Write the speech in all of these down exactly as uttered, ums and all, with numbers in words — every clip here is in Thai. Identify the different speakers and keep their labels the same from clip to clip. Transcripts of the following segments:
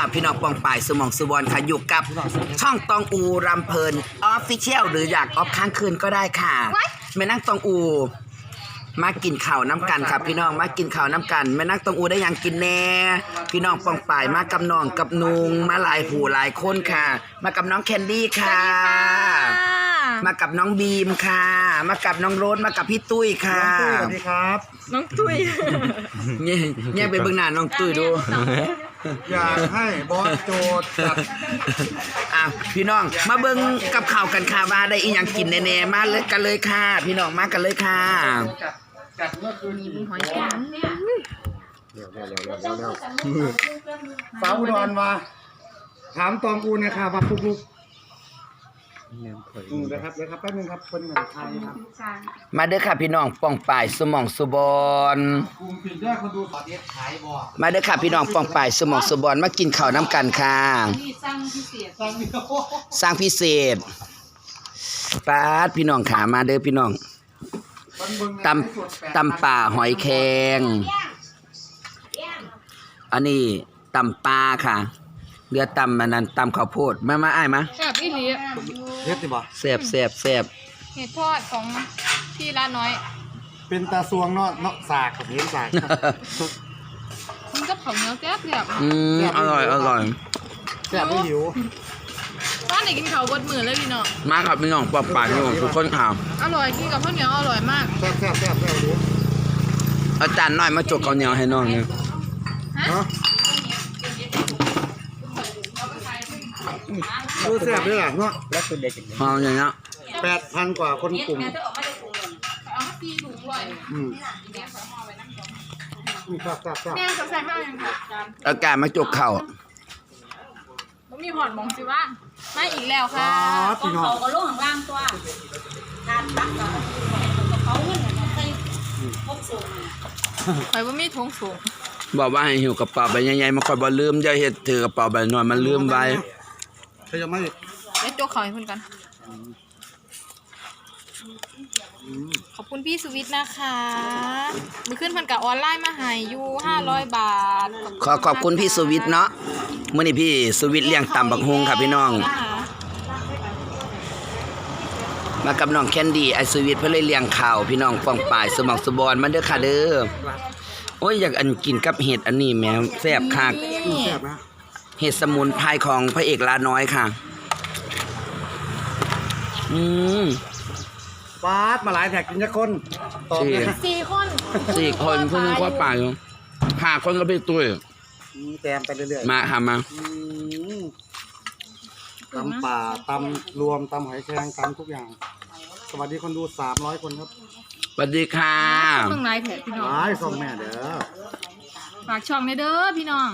Speaker 1: พี่น้องปองป่ายสมองสุวรรณค่ะอยู่กับช่องตองอูรำเพลินออฟฟิเชียลหรืออยากออฟค้างคืนก็ได้ค่ะแม่นั่งตองอูมากินข้าวน้ำกันครับพี่น้องมากินข้าวน้ำกันแม่นั่งตองอูได้ยังกินแน่พี่น้องปองป่ายมากับน้องกับนุงมาหลายผู้หลายคนค่ะ มากับน้องแคนดี้ค่ะมากับน้องบีมค่ะมากับน้องโรสมากับพี่ตุ้ยค่ะ
Speaker 2: สวัสดีครับ
Speaker 3: น้องตุ้ย
Speaker 1: เนี่ยเนี่ยไปเบื้องหน้าน้องตุ้ยดู
Speaker 2: อยากให้บอสโจทย์จัด
Speaker 1: อ่ะพี่น้องมาเบิ่งกับข่าวกันค่ะว่าได้อีหยังกินแน่ๆมาเลยกันเลยค่ะพี่น้องมากันเลยค่ะ
Speaker 2: จัดเมื่อคืน
Speaker 3: หอยแครงเนี่ย
Speaker 2: เร็วเร็วเร็วเร็วเร็วฟ้าอุดรมาถามตองอูนะครับว่าปุ๊กลุกอืมนะครับเดี๋ยวครับแป๊บนึงครับคนเหมือนไทยครับ
Speaker 1: มาเด้อค่ะพี่น้องป้องป่ายสมองสุบอน
Speaker 2: กลุ่มปิดด้วยคนดูขอเด็ดขายบ่
Speaker 1: มาเด้อค่ะพี่น้องป้องป่ายสมองสุบอนมากินข้าวน้ำกันค่ะ
Speaker 3: สร้างพิเศษ
Speaker 2: สร้างพิเศษ
Speaker 1: สร้างพิเศษปาดพี่น้องขามาเด้อพี่น้องตำตำป่าหอยแครงอันนี้ตำปลาค่ะเรือตำมันนั้นตำข้าวโพดมามาอ้ายมา
Speaker 3: แซ่บอีหลี
Speaker 2: เฮ็ดดิบ่
Speaker 1: แซ่บแซ่บแซ่บ
Speaker 3: เห็ดทอดของพี่ร้านน้อย
Speaker 2: เป็นตาซวงเนาะเนาะสากกับเห็นสาก
Speaker 3: มันก็เผาเนื้อแซ่บแบบ
Speaker 1: อืมอร่อยอร่อย
Speaker 2: แซ่บไม่หิว
Speaker 3: บ้านไหนกินข้าวบดมือเลยพี่น้อง
Speaker 1: มาครับพี่น้องปอบปากพี่น้องทุกคนค่ะ
Speaker 3: อร่อยกินกับข้าวเหนียวอร่อยมาก
Speaker 2: แซ่บแซ่บแซ่บแซ่บดู
Speaker 1: อาจารย์น้อยมาจกข้าวเหนียวให้น้องเนี่ย
Speaker 2: ฮะดูแซ่บด้วยล่ะเนาะแล้วคือเด็ก
Speaker 1: หอมอย่างเงี้ย
Speaker 2: แปดพันกว่าคนกลุ่ม
Speaker 3: เอามาตีถูกด้วย
Speaker 2: อืมแซ่บแซ่บแซ่บ
Speaker 3: แม่จะใส่ข้าวยังไง
Speaker 1: อากาศมาจกเข่า
Speaker 3: มันมีหอดมองสิว่าไม่อีกแล้วค่ะ
Speaker 2: ก็เขา
Speaker 4: ก็ลงข้างล่างตัวทานตักกับเขาเงินเนี่ยใส่พกสูง
Speaker 3: ใครว่ามีทงสูง
Speaker 1: บอกว่าให้หิวกระเป๋าใบใหญ่ๆมาคอยบ่ลืมอย่าเฮ็ดถือกระเป๋าใบน้อยมันลืมไว้
Speaker 2: ใครจะไม่
Speaker 3: เดี๋ยวโจกเขาให้เพื่อนกันขอบคุณพี่สุวิทย์นะคะมือขึ้นพันกับออนไลน์มาให้อยู่ห้าร้อยบาท
Speaker 1: ขอขอบคุณพี่สุวิทย์เนาะมื้อนี้พี่สุวิทย์เลี้ยงตำบักฮุงค่ะพี่น้องมากับน้องแคนดี้ไอสุวิทย์เพิ่นเลยเลี้ยงข้าวพี่น้องป้องป่ายสมองสุบอนมาเด้อค่ะเด้อโอ้ยอยากอันกินกับเห็ดอันนี้แม่แซ่บคัก
Speaker 2: แซ่บนะ
Speaker 1: เห็ดสมุนไพรของพระเอกลาน้อยค่ะอืม
Speaker 2: ปาดมาหลายแท็กกินจะคน
Speaker 3: ตอบเลยสี่คน
Speaker 1: สี่คนเพิ่งว่าป่าอยู่ห้าคนก็ไปตุ้ย
Speaker 2: แต้มไปเรื่อย
Speaker 1: ๆมาทำมา
Speaker 2: ตำป่าตำรวมตำหอยแครงตำทุกอย่างสวัสดีคนดูสามร้อยคนครับ
Speaker 1: สวัสดีค่ะ
Speaker 3: เพิ่งไลฟ์แท็กพี่น้อง
Speaker 2: ไลฟ์ส่งแม่เด้อ
Speaker 3: ฝากช่องในเด้อพี่น้อง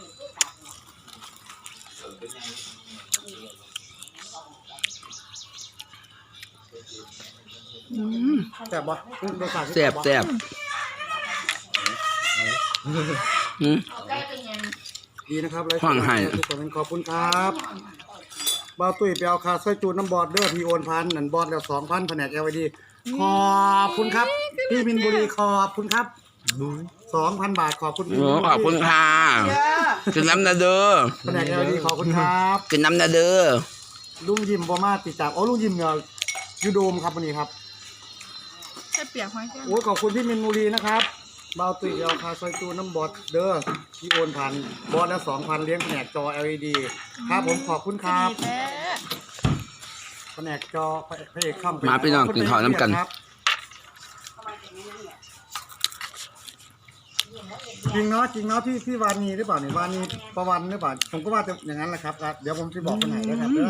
Speaker 2: แซ่บบ่
Speaker 1: แซ่บแซ่บ
Speaker 2: ดีนะครับเลย
Speaker 1: ฟังให้
Speaker 2: ทุกคนขอบคุณครับบ่าวตุ้ยไปเอาคาซอยจูนน้ำบอดเด้อพี่โอนพันนั่นบอดแล้วสองพันแผนก แอล ไอ ดี ขอบคุณครับพี่มินบุรีขอบคุณครับสองพันบาทขอบคุณพี่
Speaker 1: ขอบคุณค่ะกินน้ำนาเด้อ
Speaker 2: แผนก แอล ไอ ดี ขอบคุณครับ
Speaker 1: กินน้ำนาเด้อ
Speaker 2: ลุงยิมบอมาติดจากโอ้ลุงยิมเนี่ยยูโดมครับวันนี้ครับ
Speaker 3: แค่เปียกหอยแค่
Speaker 2: โอ้ขอบคุณพี่มินบุรีนะครับบ่าวตุ้ยเอาคาซอยจูนน้ำบอดเด้อพี่โอนพันบอดแล้วสองพันเลี้ยงแผนกจอ แอล อี ดี ครับผมขอบคุณครับแผนกจอพระเอกข้าม
Speaker 1: มาพี่น้องกินข้าวน้ำกัน
Speaker 2: จริงเนาะจริงเนาะพี่พี่วานีหรือเปล่าเนี่ยวานีประวันหรือเปล่าผมก็ว่าจะอย่างนั้นแหละครับเดี๋ยวผมจะบอกคนไหนนะครับเด้อ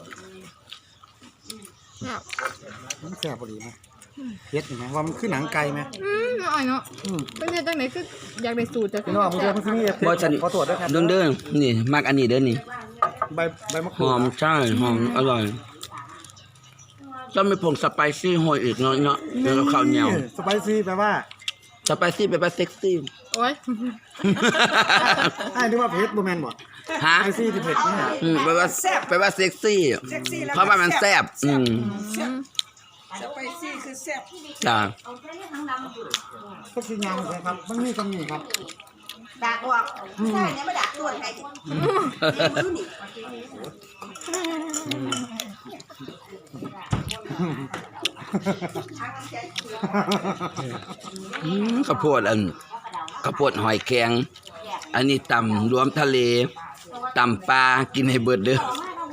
Speaker 2: มันแซ่บพอดีไหมเฮ็ดไหมว่ามันขึ้นหนังไก่ไหม
Speaker 3: อืมอร่อยเนาะเป็นเฮ็ดจังไหนคืออยากได้สูตรจาก
Speaker 2: พี่น้องผมจะพี่นี่
Speaker 1: บ่ฉัน
Speaker 2: ขอตรวจด้วยครับ
Speaker 1: เด้อเด้อนี่มากอันนี้เด้อนี่
Speaker 2: ใบใบมะก
Speaker 1: รู
Speaker 2: ด
Speaker 1: หอมใช่หอมอร่อยต้องมีผงสไปซี่โหยอีกเนาะเนาะแล้วก็ข้าวเหนียว
Speaker 2: สไปซี่แปลว่า
Speaker 1: สไปซี่แปลว่าเซ็กซี่
Speaker 3: โอ้ย
Speaker 2: ไอ้ที่ว่าเผ็ดบูแมนบ่
Speaker 1: ฮะ
Speaker 2: สไปซี่ที่เผ็ดนี่
Speaker 1: แปลว่าแปลว่าเซ็กซี่เพราะว่ามันแซ่บอืม
Speaker 4: สไปซี่คือแซ่บ
Speaker 1: จ้า
Speaker 2: ก็คือยำเลยครับมันมีคำนี้ครับ
Speaker 4: ด่าออกใช่เนี่ยมาด่าตัวไงมือนี่
Speaker 1: อืมข้าวโพดอันข้าวโพดหอยแครงอันนี้ตำรวมทะเลตำปลากินให้เบิดเด้อ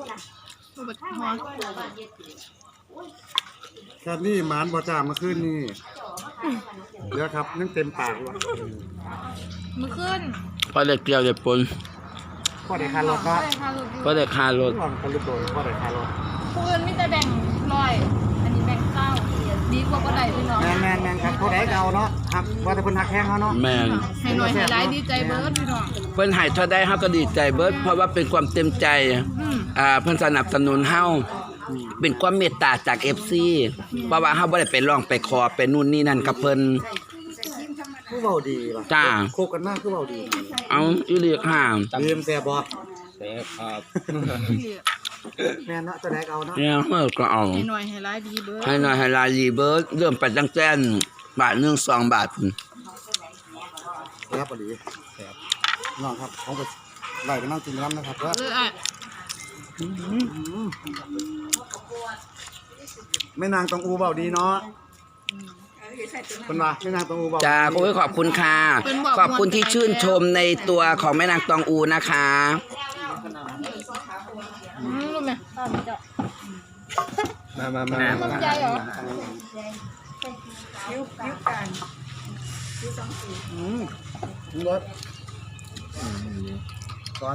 Speaker 2: แค่นี้หมานบ่จ้าเมื่อคืนนี่เดี๋ยวครับนั่งเต็มปากเลย
Speaker 3: มือขึ้น
Speaker 1: พอได้เกลียวได้ปน
Speaker 2: พ่อได้คารถเนาะ
Speaker 1: พอได้คารถ
Speaker 2: ลองกันลูกโดนพ่อได้คารถ
Speaker 3: ผู้อื่นมีแต่แบ่งร้อยอันนี้แบ่งเก้าดีกว่าบ่ได้พี่น้อง
Speaker 2: แมนแมนแมนครับพ่อได้เก่าเนาะครับว่าแต่คนหักแข้งเขาเนาะ
Speaker 1: แม่น
Speaker 3: ให้หน่อยให้หลายดีใจเบิร์ดพี่น้อง
Speaker 1: เพิ่นให้เท่าได้เฮาก็ดีใจเบิดเพราะว่าเป็นความเต็มใจ
Speaker 3: อืม
Speaker 1: อ่าเพิ่นสนับสนุนเฮาเป็นความเมตตาจาก เอฟ ซี เพราะว่าเฮาบ่ได้ไปร้องไปขอไปนู่นนี่นั่นกับเพิ่น
Speaker 2: คือเบาดีว่ะ
Speaker 1: จ้า
Speaker 2: โคกันมากคือเบาดี
Speaker 1: เอาอีหลีค่ะ
Speaker 2: เรียมแซ่บบ่
Speaker 5: แซ่บครับ
Speaker 2: แม่นเนาะจะได้เก่าเนาะ
Speaker 1: เนี่ยเฮาก็เอา
Speaker 3: ให้หน่อยให้หลายดีเบิร์ด
Speaker 1: ให้หน่อยให้ลายรีเบิร์ดเริ่มไปตั้งแต่บาทหนึ่งสองบาท
Speaker 2: แซ่บบ่ดีแซ่บน้องครับผมก็ไล่ไปนั่งกินน้ำนะครับเด้อ
Speaker 3: เอออ่ะ
Speaker 2: แม่นางตองอูเบาดีเนาะคนว่าแม่นางตองอูเบา
Speaker 1: จ้าโอ้ยขอบคุณค่ะ ขอบคุณที่ชื่นชมในตัวของแม่นางตองอูนะคะ
Speaker 3: อืมรู้ไหมตอนนี้จะ
Speaker 5: มามามา
Speaker 3: มันใจเหรอ
Speaker 2: อืมรสก่อน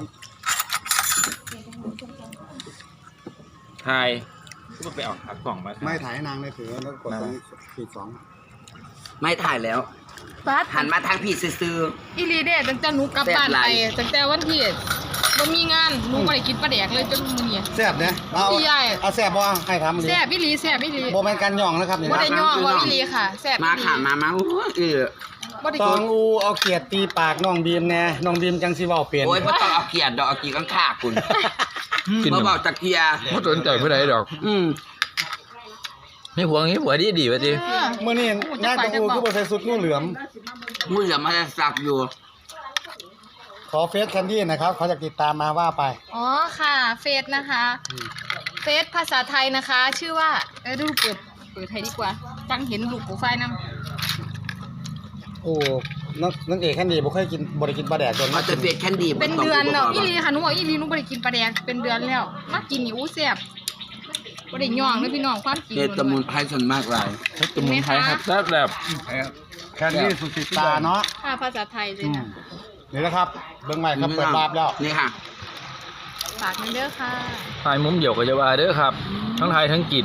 Speaker 5: ไทยก็ไปออกขับกล่องมา
Speaker 2: ไม่ถ่ายให้นางเลยถือแล้วกดตรงขีดสอง
Speaker 1: ไม่ถ่ายแล้ว
Speaker 3: ปัด
Speaker 1: หันมาทางพี่ซื้อ
Speaker 3: อีหลีเด้ตั้งแต่หนูกลับบ้านไปตั้งแต่วันที่บ่มีงานหนูบ่ได้กินปลาแดกเลยจนมื้อนี้
Speaker 2: แซ่บเนี่ยเอา
Speaker 3: พี่ใหญ่
Speaker 2: เอาแซ่บบ่ให้ทำเลย
Speaker 3: แซ่บอีหลีแซ่บอีหลี
Speaker 2: โบแมนกันย่องนะครับนี่
Speaker 3: บ่
Speaker 2: นะ
Speaker 3: ได้ย่อว่าอีหลีค่ะแซ่บ
Speaker 1: ๆมาค่ะมามาโอ้ยเออ
Speaker 3: บ่ได้
Speaker 2: ตอ
Speaker 3: กิ
Speaker 2: ง
Speaker 3: น
Speaker 2: อูเอาเกียรติตีปากน้องบีมแน่น้องบีมจังสิเว้าเปลี่ยน
Speaker 1: โอ้ยไม่ต้องเอาเกียรติดอกเอากีข้างข้าคุณ
Speaker 5: กิน
Speaker 1: มาบอกจากเกียร์
Speaker 5: ไม่สนใจผู้ใดดอก
Speaker 1: อืม
Speaker 5: ไม่หวงนี้หัวดีดีวะจี
Speaker 3: เออ
Speaker 2: เมื่อนี้นายตองอูคือบ่ใส่สุดงูเหลือม
Speaker 1: มืออย่ามาได้สักอยู่
Speaker 2: ขอเฟซแคนดี้นะครับเขาจะติดตามมาว่าไป
Speaker 3: อ๋อค่ะเฟซนะคะเฟซภาษาไทยนะคะ ชื่อว่าเออดูเปิดเปิดไทยดีกว่าจังเห็นลูกโปรไฟล์นำ
Speaker 2: โอ้นักนักเอกแคนดี้บ่เคยกินบ่ได้กินปลาแดกจน
Speaker 1: มาจะเฟียดแคนดี้
Speaker 3: เป็นเดือนแล้วอีหลีค่ะหนูบอกอีหลีหนูบ่ได้กินปลาแดกเป็นเดือนแล้วมากินนี่อู้แซ่บบ่ได้ย่องเลยพี่น้องความจริง
Speaker 1: เฮ็ดตะมุนไพรส่วนมากหลาย
Speaker 5: สมุนไพรครับแซ่บแบบ
Speaker 2: แคนดี้สุดติดตาเนาะ
Speaker 3: ค่ะภาษาไทยเลย
Speaker 2: อืม
Speaker 3: นะ
Speaker 2: นี่นะครับเบิ่งใหม่ครับเปิดบาปแล้ว
Speaker 1: นี่ค่ะ
Speaker 3: ฝากมันเด้อค่ะ
Speaker 5: ไทยมุมเดียวก็จะว่าเด้อครับ ทั้งไทยทั้งกิน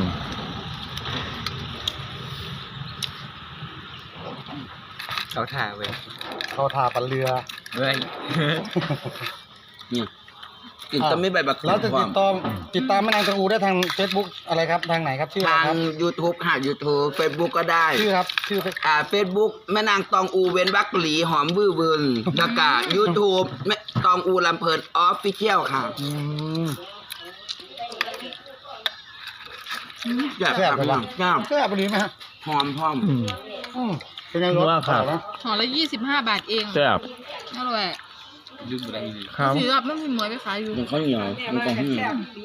Speaker 5: เขาถ่าเว้ย
Speaker 2: เขาทาปันเรือ
Speaker 5: เว้ย
Speaker 1: นี่กินต้มไม่ใบบัก
Speaker 2: แล้วจะติดต่อติดตามแม่นางตองอูได้ทาง Facebook อะไรครับทางไหนครับชื่ออะไร
Speaker 1: ทาง
Speaker 2: ครับ
Speaker 1: YouTube ค่ะ YouTube Facebook ก็ได้
Speaker 2: ชื่อครับชื่อ
Speaker 1: อ่า Facebook แม่นางตองอูเว้นวักหลีหอมวื้อวืนแล้วก็ YouTube แม่ตองอูลำเพลินออฟฟิเชียลค่ะ
Speaker 2: อืม
Speaker 1: อยาก
Speaker 2: แซ่บ
Speaker 1: ทำ
Speaker 2: เล
Speaker 1: ห
Speaker 2: ย
Speaker 1: นั
Speaker 2: วะ
Speaker 1: งย่าง
Speaker 2: แซ่บดีไหมฮะ
Speaker 1: หอมพร้อม
Speaker 5: อืม
Speaker 2: อืมเป็นไงรส
Speaker 5: ว่าครับ
Speaker 2: ออยไหม
Speaker 3: ห่อละยี่สิบห้าบาทเอง
Speaker 5: แซ่บ
Speaker 3: อร่อย
Speaker 5: ครับ
Speaker 3: ถือแบบมันพิมพ์หมวยไปขายอยู่
Speaker 1: มันข้าวเหนียวมันก็หืม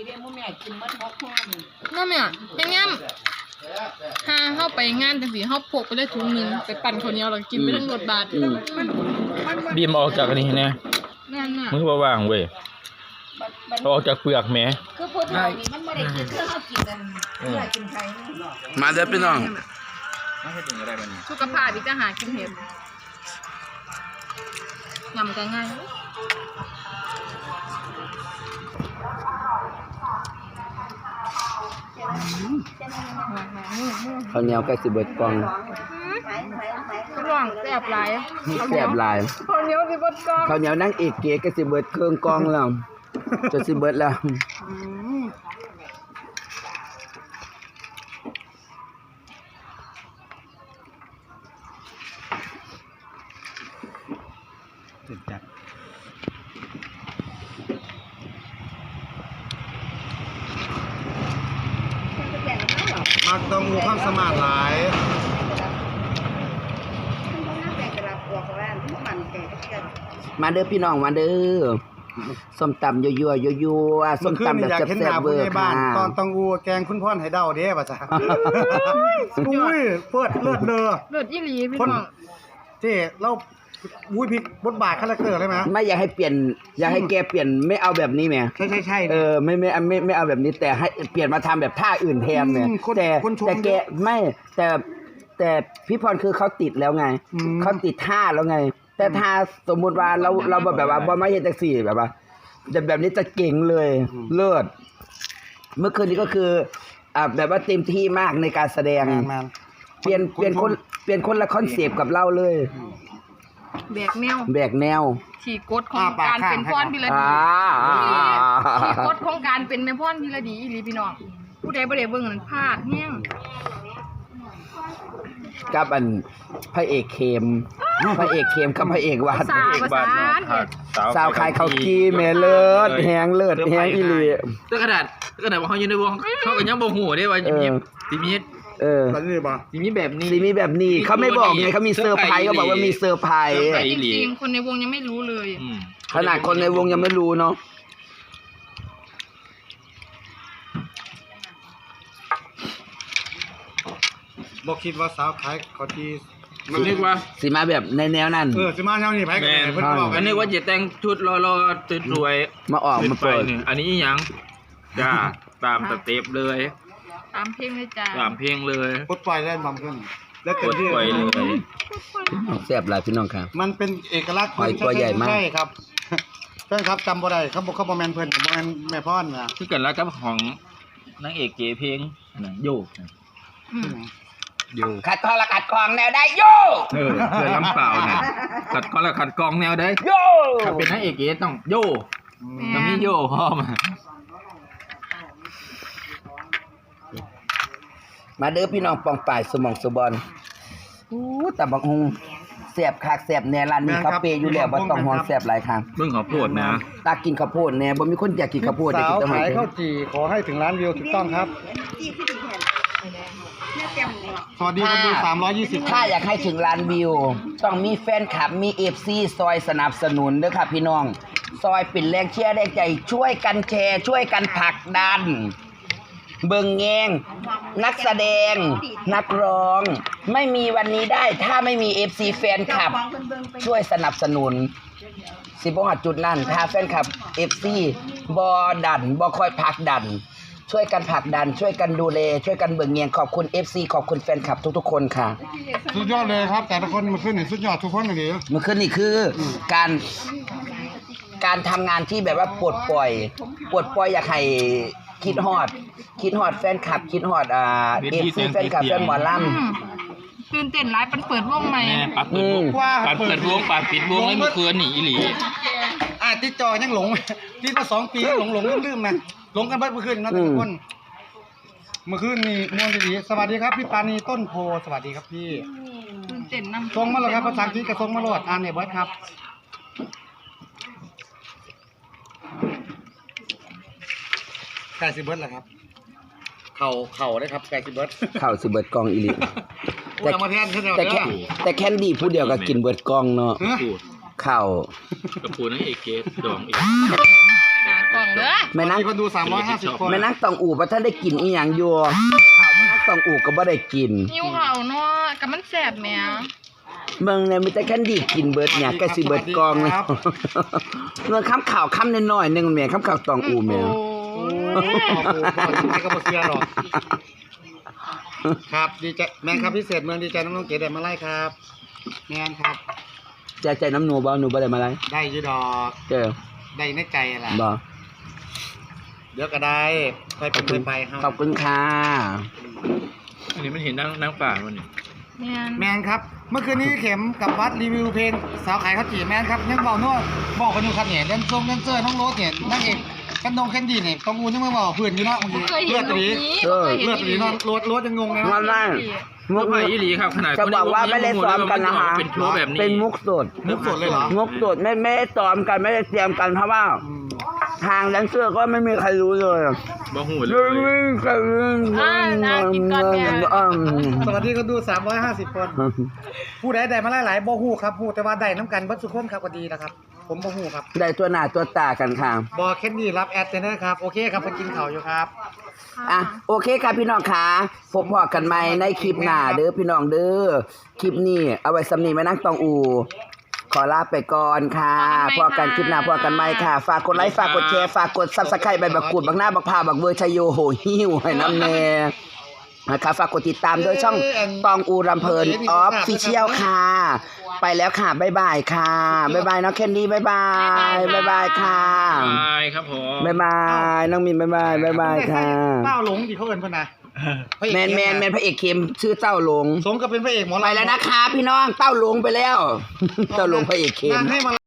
Speaker 3: นั่นเนี่ยเป็นงั้นถ้าเข้าไปงานจังสีเข้าพกไปได้ถุงหนึงไปปั่นข้าวเหนียวแล้วกินไปทั้งรถบาท
Speaker 1: อืม
Speaker 5: บีมออกจากอันนี้นะ
Speaker 3: แม่นน่ะ
Speaker 5: มือบ่ว่างเว้ยเอาออกจากเปลือกแหม
Speaker 4: คือพูดถึงนี่มันไม่ได้กินเพื่อเขากินกันเพื่อกินไทยนี่
Speaker 1: มาเด้อพี่น้อง
Speaker 3: สุขภาพอีกจะหากินเห็ดยำกันง่าย
Speaker 1: ข้าวเหนียวใกล้สิเบิดกล่อง
Speaker 3: กระหว่างแซ่บหลาย
Speaker 1: แซ่บหลาย
Speaker 3: ข้าวเหนียวสิบดกอง
Speaker 1: ข้าวเหนียวนั่งเอกเก๋ใกล้สิเบิดเครื่องกล่องแล้วจะสิเบิดแล้ว
Speaker 2: ติดจัดมักตองอูความสมาร์ทหลาย
Speaker 4: มันบ่น่าแปลกแต่ละตัวของร้านมันมันแปลกกัน
Speaker 1: มาเด้อพี่น้องมาเด้อส้มตำยั่วๆยั่วๆส้มตำแบบ
Speaker 2: อยากเห็นห
Speaker 1: แซ่บ
Speaker 2: น้า
Speaker 1: ๆเว
Speaker 2: ผู้
Speaker 1: อ
Speaker 2: ใหญ่
Speaker 1: ร์
Speaker 2: บ้า
Speaker 1: ค่ะ
Speaker 2: นตอนตองอูแกงคุณพ่อนให้เดาเด้ป่ะจ๊ะอุ้ยเปิดเลือดเด้อ
Speaker 3: เลือดอีหลีพี่
Speaker 2: คน
Speaker 3: น้อง
Speaker 2: เจ้เราอุ้ยพลิกบทบาทคาแรคเตอร์เลยไหม
Speaker 1: ไม่อยากให้เปลี่ยนอยากให้แกเปลี่ยนไม่เอาแบบนี้แหม
Speaker 2: ใช่ใช่ใช่
Speaker 1: เออไม่ไม่ไม่ไม่เอาแบบนี้แต่ให้เปลี่ยนมาทำแบบท่าอื่นแทนเนี่ย
Speaker 2: อืมคน
Speaker 1: แต่
Speaker 2: คนชม
Speaker 1: แต่แก
Speaker 2: เยอะ
Speaker 1: ไม่แต่แต่พี่พรคือเขาติดแล้วไง
Speaker 2: อืม
Speaker 1: เขาติดท่าแล้วไง แต่ท่าสมมุติว่าเราเราแบบว่าบ่ไม่เห็นแท็กซี่แบบว่าแต่แบบนี้จะเก่งเลยเลิศเมื่อคืนนี้ก็คืออ่าแบบว่าเต็มที่มากในการแสดง
Speaker 2: แมนแมน
Speaker 1: เปลี่ยนเปลี่ยนคนเปลี่ยนคนละคอนเซปต์กับเราเลย
Speaker 3: แบกแนว
Speaker 1: แบกแนว
Speaker 3: ขี่กฎของการเป็นพรพิร
Speaker 1: อ่า
Speaker 3: ดีขี่กฎของการเป็นแม่พรพิรดีอีหลีพี่น้องผู้ใดบ่ได้เบิ่งนั้นพลาดแฮง
Speaker 1: กับอันพระเอกเข้มพระเอกเข้มกับพระเอกวัด
Speaker 3: สาวประสาน
Speaker 1: สาวขายข้าวกีแม่เลิศแหงเลิศแหงอีหลี
Speaker 5: แต่กระดาษกระดาษว่าเขาอยู่ในวงเขาก็ยังบ่ฮู้ได้ว่ายิ้มยิ้มสิมี
Speaker 1: เออ
Speaker 2: แล้วนี่ป่ะ
Speaker 5: สิมีแบบนี้
Speaker 1: สีมีแบบนี้เขาไม่บอกไงเขามีเซอร์ไพรส์เขาบอกว่ามีเซอร์ไพรส์
Speaker 3: แต่จริงๆคนในวงยังไม่รู้เลย
Speaker 5: อืม
Speaker 1: ขนาดคนในวงยังไม่รู้เนาะ
Speaker 2: บอกคิดว่าสาวขายเขาที่
Speaker 5: มันนึกว่า
Speaker 1: สีมาแบบในแนวนั้น
Speaker 2: เออสิมาแนวนี้ไปกัน
Speaker 5: แม่
Speaker 2: เพิ่นบอก
Speaker 5: อันนี้ว่าจะแต่งชุดรอๆสวย
Speaker 1: มาออก
Speaker 5: ๆ
Speaker 1: มาเปิด
Speaker 5: นี่อันนี้อีหยังจ้าตามสเต็ปเลย
Speaker 3: ตามเพลงเลยจ้า
Speaker 5: ตามเพลงเลย
Speaker 2: ปลดปล่อยได้บางขึ้นแล้ว
Speaker 5: ก
Speaker 2: เต็ม
Speaker 5: ด
Speaker 2: ที่
Speaker 5: ปล่อยเลย
Speaker 1: แซ่บหลายพี่น้องครับ
Speaker 2: มันเป็นเอกลักษณ์
Speaker 1: หอยตัวใหญ่มาก
Speaker 2: ใช่ครับใช่ครับจำบ่ได้เขาบอกเขาบ่แม่นเพิ่นบ่แม่นแม่พ่อนนะ
Speaker 5: คือกันแล้วกับของนางเอกเก๋เพลงน่ะโยกน่ะ
Speaker 3: อืม
Speaker 5: โยก
Speaker 1: ขัดคอละขัดคองแนวได้โย
Speaker 5: เออเพื่อลำเปล่าน่ะขัดก้อนละขัดกองแนวได้
Speaker 1: โย
Speaker 5: ถ้าเป็นนางเอกเก๋ต้องโยต้องมีโยพ่อมา
Speaker 1: มาเด้อพี่น้องปองป่ายสมองสุบอลอู้แต่บักฮงแซ่บคักแซ่บแน่ร้านนี้เขาเปย์อยู่แล้วบ่ต้องห่วงแซ่บหลายครั้ง
Speaker 5: เบิ่งขอโพดนะ
Speaker 1: ตากินข้าวโพดแน่บ่มีคนอยากกินข้าวโพดอยาก
Speaker 2: สา
Speaker 1: กิ
Speaker 2: วน
Speaker 1: แต่หอย
Speaker 2: ขาย
Speaker 1: เชล
Speaker 2: ข้าว
Speaker 1: ล์
Speaker 2: จี่ขอให้ถึงล้านวิวถูกต้องครับ
Speaker 4: ที่ที่ดีแทนแม่เต็มเลย
Speaker 2: สวัสดีคนดูสามร้อยยี่สิบ
Speaker 1: ถ้าอยากให้ถึงล้านวิว ต้องมีแฟนคลับมี เอฟ ซี ซอยสนับสนุนเด้อค่ะพี่น้อง ซอยเป็นแรงเชียร์แรงใจช่วยกันแชร์ ช่วยกันผลักดัน เบิ่งแยงนักแสดง นักร้อง ไม่มีวันนี้ได้ถ้าไม่มี เอฟ ซี แฟนคลับ ช่วยสนับสนุน สิบ่ฮอดจุดนั้นถ้าแฟนคลับ เอฟ ซี บ่ดันบ่คอยผลักดัน ช่วยกันผลักดัน ช่วยกันดูแลช่วยกันเบิ่งแยงขอบคุณ เอฟ ซี ขอบคุณแฟนคลับทุกๆคนค่ะ
Speaker 2: สุดยอดเลยครับ แต่ละคนมันขึ้นนี่สุดยอดทุกคนเลย
Speaker 1: มันขึ้นนี่คือการการทำงานที่แบบว่าปลดปล่อยปลดปล่อยอยากให้คิดฮอด คิดฮอดแฟนคลับ คิดฮอดอ่าเอฟซีแฟนคลับแฟนหมอล
Speaker 3: อืมตื่นเต้นหลายปันเปิดวงใหม่
Speaker 5: แม่ปัดเปิดวงปัดเปิดวงปัดปิดวงแล้วเมื่อคืนนี่อีหลี
Speaker 2: อ่ะติดจอยังหลงติดมาสองปียังหลงหลงลืมลืมนะหลงกันเบิดเมื่อคืนนะแต่ละคนเมื่อคืนนี่มวนดีๆสวัสดีครับพี่ปานีต้นโพสวัสดีครับพี่
Speaker 3: ตื่นเต้นนำ
Speaker 2: ส่งมาเลยครับภาษาอังกฤษกับส่งมาโหลดอ่านเนี่ยเบิร์ดครับไก่สิเบิร์ดเหรอครับเข่าเข่าได้ครับไก่สิเบิร์ด
Speaker 1: ำเข้าสิเบิดกองอีหลี
Speaker 2: พูดเอามาแทนเท่าเดิม
Speaker 1: แต่แค่แต่แคนดี้ผู้เดียวก็กินเบิดกองเนาะ
Speaker 5: พูด
Speaker 1: เข้า
Speaker 5: กับพูดนางเอกเก๋ดองอีก
Speaker 3: หน้ากล่องเด้อ
Speaker 1: แม่นั่ง
Speaker 2: มีคนดูสามร้อยห้าสิบคน
Speaker 1: แม่นั่งตองอู่บ่ทันได้กินอีหยังอยู่ข้าวแม่นั่งตองอู่ก็บ่ได้กิน
Speaker 3: หิวข้าวเนาะกับมันแซ่บแหม
Speaker 1: เมืองเนี่ยมีแต่แคนดี้กินเบิดเนี่ยก็สิเบิดกองเลยเงินค้ำข่าวค้ำน้อยๆหนึงแม่ค้ำข่าวตองอู่แม่
Speaker 3: โอ้
Speaker 2: โอ้โหไม่ก็บ่เสียหรอกครับดีใจแมนครับพิเศษเมืองดีใจน้องๆเก๋แดดมาไล่ครับแมนครับ
Speaker 1: ใจใจน้ำหนูบ่หนูบ่ได้มาไร
Speaker 2: ได้อยูดอก
Speaker 1: เจอ
Speaker 2: ได้ในใจแหละ
Speaker 1: บ่
Speaker 2: เดี๋ยวก็ได้ค่อยเป็นค่อยไปครับ
Speaker 1: ขอบคุณค่ะ
Speaker 5: อันนี้มันเห็นนางนางป่ามันนี่
Speaker 3: แม่น
Speaker 2: แมนครับ เมื่อคืนนี้เข็มกับวัดรีวิวเพลงสาวขายข้าวจี่แมนครับยังบอกนวดบอกกันอยู่ครับเนี่ยแดนซงแดนเซอร์น้องโรสเนี่ยนางเอกกันดงแคนดี้เนี่ยต้องอูยังไม่บอกเพื่อนอยู่เนาะเมื่อกี้
Speaker 3: เคยเห็
Speaker 2: เลือน ด
Speaker 3: ตรง
Speaker 2: ตี
Speaker 3: นี้
Speaker 1: เออ
Speaker 3: เคยเห็น
Speaker 2: เลือดตีเนาะโรสโรสยังงงเลย
Speaker 1: มา
Speaker 2: เนาะ
Speaker 1: ได้มุก
Speaker 5: ไปอีหลีครับขนาด
Speaker 1: จะบอกว่าไม่ได้ซ้อมกันนะคะ
Speaker 5: เป็นโชว์แบบนี้
Speaker 1: เป็นมุกสด
Speaker 2: มุกสดเลยเหรอ
Speaker 1: มุกสดไม่ไม่ได้ซ้อมกันไม่ได้เตรียมกันเพราะว่า
Speaker 2: อืม
Speaker 1: ทางแดนเซอร์ก็ไม่มีใครรู้เลย
Speaker 5: บ่หูเล
Speaker 1: ไม่มี
Speaker 5: ย
Speaker 1: ใครรู้
Speaker 3: อ่าน่ากินก่อนเนี่ย
Speaker 1: อืม
Speaker 2: สวัสดีคนดูสามร้อยห้าสิบคน ผู้ใดได้มาหลายๆบ่ฮู้ครับฮู้แต่ว่าได้น้ำกันเบิดสุขคนครับก็ดีนะครับผมบ่ฮู้ครับ
Speaker 1: ได้ตัวหน้าตัวตากันค่ะ
Speaker 2: บอแค่นี้รับแอดเจนเนอร์ครับโอเคครับเพิ่นกินข้าวอยู่ครับ
Speaker 1: อ่ะโอเคค่ะพี่น้องค่ะพบพอกันใหม่ในคลิปหน้าเด้อพี่น้องเด้อคลิปนี้เอาไว้สำนีแม่นั่งตองอูขอลาไปก่อนค่ะพอกันคลิปหน้าพอกันใหม่ค่ะ ฝากกดไลค์ฝากกดแชร์ฝากกด Subscribe ใบบักกูดบักหน้าบักพาบักเวอร์ชโยโหหิ้วให้น้ำแน่นะคะฝากกดติดตามด้วยช่องตองอูรำเพลินออฟฟิเชียลค่ะ ไปแล้วค่ะบ๊ายบายค่ะบ๊ายบายน้องแคนดี้บ๊ายบายบ๊ายบายค่ะ
Speaker 5: บายครับผม
Speaker 1: บ๊ายบายน้องมินบ๊ายบายบ๊ายบายค่ะ
Speaker 2: เต้าหลงที่เขาเอิ้นเพิ่นน่ะ
Speaker 1: แมนแมนแมนพระเอกเข็มชื่อเต้าหลง
Speaker 2: สมกับเป็นพระเอกหมอลำ
Speaker 1: ไปแล้วนะคะพี่น้องเต้าหลงไปแล้ว เต้าหลงพระเอกเข็ม
Speaker 2: นั่งให้มา